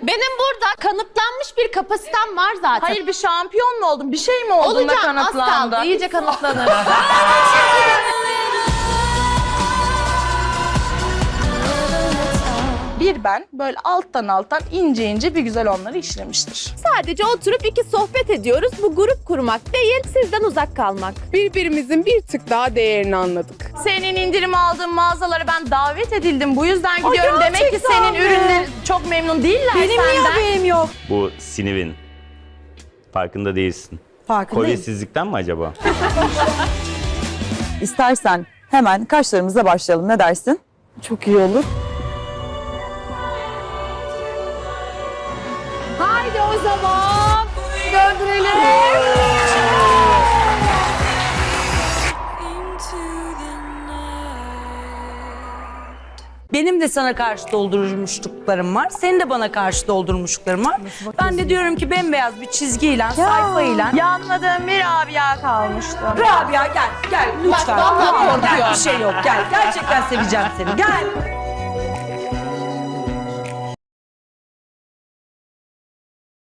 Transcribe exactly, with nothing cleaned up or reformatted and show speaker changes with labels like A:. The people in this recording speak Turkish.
A: Benim burada kanıtlanmış bir kapasitem var zaten.
B: Hayır bir şampiyon mu oldun? Bir şey mi oldun da
A: Olacağım, az
B: kanıtlandı?
A: kaldı. İyice kanıtlanır.
B: Bir ben böyle alttan alttan ince ince bir güzel onları işlemiştir.
A: Sadece oturup iki sohbet ediyoruz. Bu grup kurmak değil, sizden uzak kalmak.
C: Birbirimizin bir tık daha değerini anladık.
B: Senin indirim aldığın mağazalara ben davet edildim. Bu yüzden gidiyorum. Demek ki
C: gerçekten
B: senin
C: mi?
B: ürünlerin çok memnun değiller
C: Benim niye
B: senden.
C: haberim yok?
D: Bu sinivin. Farkında değilsin.
E: Farkındayım.
D: Kolyesizlikten mi acaba?
E: İstersen hemen kaşlarımıza başlayalım. Ne dersin? Çok iyi olur.
A: Haydi o zaman döndürelim.
F: Benim de sana karşı doldurmuşluklarım var. Senin de bana karşı doldurmuşlukların var. Ben de diyorum ki bembeyaz bir çizgiyle, sayfayla.
B: Yanmadığım bir Rabia kalmıştı.
F: Rabia gel, gel lütfen.
A: vallahi
F: Tamam, gel,
A: korkuyorum.
F: bir şey yok. Gel, gerçekten seveceğim seni. Gel.